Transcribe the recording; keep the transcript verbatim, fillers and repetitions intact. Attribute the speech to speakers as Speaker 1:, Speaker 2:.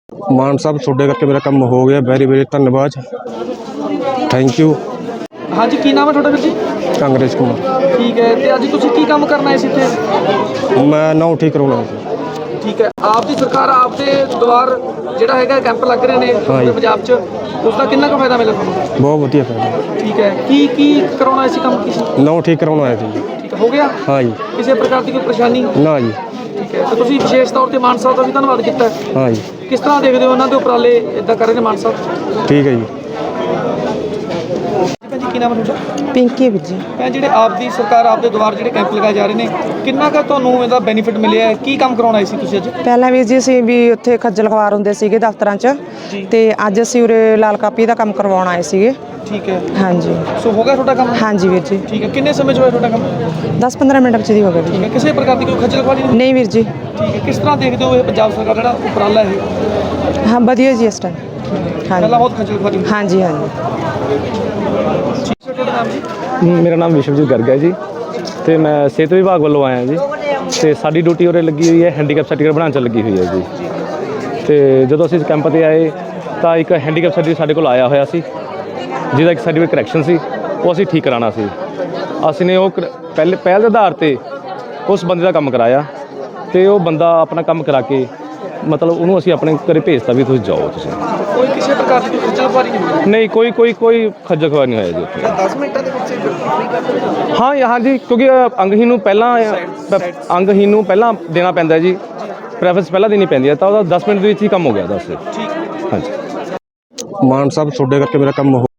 Speaker 1: मान साहब ਤੁਹਾਡੇ ਕਰਕੇ ਮੇਰਾ ਕੰਮ ਹੋ ਗਿਆ। ਵੈਰੀ ਵੈਰੀ ਧੰਨਵਾਦ, ਥੈਂਕ ਯੂ।
Speaker 2: हाँ जी, की नाम है थोड़ा ਵੀਰ जी?
Speaker 1: ਕਾਂਗਰਸ ਕੁਮਾਰ।
Speaker 2: ठीक है, तो अज तुसीं की काम करना है इस इत्थे?
Speaker 1: मैं नाउ ठीक करवाना है।
Speaker 2: ठीक है, आप दी सरकार आप दे द्वार ਜਿਹੜਾ ਹੈਗਾ ਕੈਂਪ ਲੱਗ ਰਹੇ ਨੇ ਪੂਰੇ ਪੰਜਾਬ 'ਚ, ਉਸ ਦਾ ਕਿੰਨਾ ਕੁ ਫਾਇਦਾ ਮਿਲਿਆ ਤੁਹਾਨੂੰ?
Speaker 1: बहुत ਵਧੀਆ फायदा।
Speaker 2: ठीक है, की की करवाना इसी काम की?
Speaker 1: नाउ ठीक करवाना है जी।
Speaker 2: ठीक है, हो गया?
Speaker 1: हाँ जी।
Speaker 2: ਕਿਸੇ ਪ੍ਰਕਾਰ ਦੀ ਕੋਈ ਪਰੇਸ਼ਾਨੀ?
Speaker 1: ना जी।
Speaker 2: ਠੀਕ ਹੈ, ਤੇ ਤੁਸੀਂ ਵਿਸ਼ੇਸ਼ ਤੌਰ ਤੇ ਮਾਨ ਸਾਹਿਬ ਦਾ ਵੀ ਧੰਨਵਾਦ ਕੀਤਾ ਹੈ।
Speaker 1: हाँ जी।
Speaker 2: ਕਿਸ ਤਰ੍ਹਾਂ ਦੇਖਦੇ ਹੋ ਉਹਨਾਂ ਦੇ ਉਪਰਾਲੇ ਇਦਾਂ ਕਰ ਰਹੇ ਨੇ ਮਾਨ ਸਾਹਿਬ?
Speaker 1: ठीक है जी।
Speaker 2: ਭੈਣ ਜੀ, ਕੀ ਨਾਮ ਹੈ ਤੁਹਾਡਾ?
Speaker 3: ਪਿੰਕੀ ਵੀਰ ਜੀ।
Speaker 2: ਭੈਣ, ਜਿਹੜੇ ਆਪ ਦੀ ਸਰਕਾਰ ਆਪ ਦੇ ਦੁਆਰ ਜਿਹੜੇ ਕੈਂਪ ਲਗਾਏ ਜਾ ਰਹੇ ਨੇ, ਕਿੰਨਾ ਕੁ ਤੁਹਾਨੂੰ ਇਹਦਾ ਬੈਨੀਫਿਟ ਮਿਲਿਆ ਹੈ? ਕੀ ਕੰਮ ਕਰਾਉਣਾ ਸੀ ਤੁਸੀਂ ਅੱਜ?
Speaker 3: ਪਹਿਲਾਂ ਵੀਰ ਜੀ ਅਸੀਂ ਵੀ ਉੱਥੇ ਖੱਜਲ ਖਵਾਰ ਹੁੰਦੇ ਸੀਗੇ ਦਫ਼ਤਰਾਂ 'ਚ, ਤੇ ਅੱਜ ਅਸੀਂ ਉਰੇ ਲਾਲ ਕਾਪੀ ਦਾ ਕੰਮ ਕਰਵਾਉਣ ਆਏ ਸੀਗੇ।
Speaker 2: ਠੀਕ ਹੈ,
Speaker 3: ਹਾਂਜੀ।
Speaker 2: ਸੋ ਹੋ ਗਿਆ ਤੁਹਾਡਾ ਕੰਮ?
Speaker 3: ਹਾਂਜੀ ਵੀਰ ਜੀ।
Speaker 2: ਠੀਕ ਹੈ, ਕਿੰਨੇ ਸਮੇਂ 'ਚ ਹੋਇਆ ਤੁਹਾਡਾ ਕੰਮ?
Speaker 3: ਦਸ ਪੰਦਰਾਂ ਮਿੰਟ ਵਿੱਚ ਦੀ ਹੋ ਗਿਆ ਵੀਰ
Speaker 2: ਠੀਕ
Speaker 3: ਜੀ।
Speaker 2: ਹੈ, ਕਿਸੇ ਪ੍ਰਕਾਰ ਦੀ ਕੋਈ ਖੱਜਲ ਖੁਆਰੀ ਨਹੀਂ?
Speaker 3: ਨਹੀਂ ਵੀਰ ਜੀ।
Speaker 2: ਠੀਕ ਹੈ, ਕਿਸ ਤਰ੍ਹਾਂ ਦੇਖਦੇ ਹੋ ਇਹ ਪੰਜਾਬ ਸਰਕਾਰ ਜਿਹੜਾ ਉਪਰਾਲਾ ਹੈ?
Speaker 3: ਹਾਂ ਵਧੀਆ ਜੀ ਇਸ ਟਾਈਮ।
Speaker 2: ਪਹਿਲਾਂ
Speaker 3: ਹਾਂਜੀ
Speaker 2: ਬਹੁਤ ਖੱਜਲ ਖੁਆਰੀ ਹੁੰਦੀ
Speaker 3: ਹਾਂਜੀ ਹਾਂਜੀ।
Speaker 2: ਸੀ। ਤੁਹਾਡਾ ਨਾਮ ਜੀ?
Speaker 4: ਮੇਰਾ ਨਾਮ ਵਿਸ਼ਵਜੀਤ ਗਰਗ ਹੈ ਜੀ, ਤੇ ਮੈਂ ਸਿਹਤ ਵਿਭਾਗ ਵੱਲੋਂ ਆਇਆ ਜੀ, ਤੇ ਸਾਡੀ ਡਿਊਟੀ ਉਰੇ ਲੱਗੀ ਹੋਈ ਹੈ ਹੈਂਡੀਕੈਪ ਸਰਟੀਫਿਕੇਟ ਬਣਾਉਣ 'ਚ ਲੱਗੀ ਹੋਈ ਹੈ ਜੀ। ਤੇ ਜਦੋਂ ਅਸੀਂ ਇਸ ਕੈਂਪ 'ਤੇ ਆਏ ਤਾਂ ਇੱਕ ਹੈਂਡੀਕੈਪ ਸਰਟੀਫਿਕੇਟ ਸਾਡੇ ਕੋਲ ਆਇਆ ਹੋਇਆ ਸੀ, ਜਿਹਦਾ ਇੱਕ ਸਰਟੀਫਿਕੇਟ ਕਰੈਕਸ਼ਨ ਸੀ, ਉਹ ਅਸੀਂ ਠੀਕ ਕਰਾਉਣਾ ਸੀ। ਅਸੀਂ ਨੇ ਉਹ ਕਰ- ਪਹਿਲੇ ਪਹਿਲ ਦੇ ਆਧਾਰ 'ਤੇ ਉਸ ਬੰਦੇ ਦਾ ਕੰਮ ਕਰਾਇਆ, ਤੇ ਉਹ ਬੰਦਾ ਆਪਣਾ ਕੰਮ ਕਰਾ ਕੇ ਮਤਲਬ ਉਹਨੂੰ ਅਸੀਂ ਆਪਣੇ ਘਰੇ ਭੇਜਤਾ ਵੀ ਤੁਸੀਂ ਜਾਓ। ਤੁਸੀਂ
Speaker 2: ਕੋਈ ਕਿਸੇ ਪ੍ਰਕਾਰ ਦੀ ਕੋਈ ਖੱਜਲ ਖੁਆਰੀ ਨਹੀਂ ਹੋਈ?
Speaker 4: ਨਹੀਂ, ਕੋਈ ਕੋਈ ਕੋਈ ਖੱਜਲ ਖੁਆਰ ਨਹੀਂ ਹੋਇਆ ਜੀ ਉੱਥੇ।
Speaker 2: ਦਸ ਮਿੰਟਾਂ ਦੇ ਵਿੱਚ ਫ੍ਰੀ ਕਰ ਦਿਓ?
Speaker 4: ਹਾਂ ਹਾਂ ਜੀ, ਕਿਉਂਕਿ ਅੰਗਹੀਨ ਨੂੰ ਪਹਿਲਾਂ ਅੰਗਹੀਨ ਨੂੰ ਪਹਿਲਾਂ ਦੇਣਾ ਪੈਂਦਾ ਜੀ, ਪ੍ਰੈਫਰੈਂਸ ਪਹਿਲਾਂ ਦੇਣੀ ਪੈਂਦੀ ਹੈ, ਤਾਂ ਉਹਦਾ ਦਸ ਮਿੰਟ ਦੇ ਵਿੱਚ ਹੀ ਕੰਮ ਹੋ ਗਿਆ। ਦਸ
Speaker 2: ਠੀਕ।
Speaker 4: ਹਾਂਜੀ।
Speaker 1: मान साहब ਤੁਹਾਡੇ ਕਰਕੇ ਮੇਰਾ ਕੰਮ ਹੋ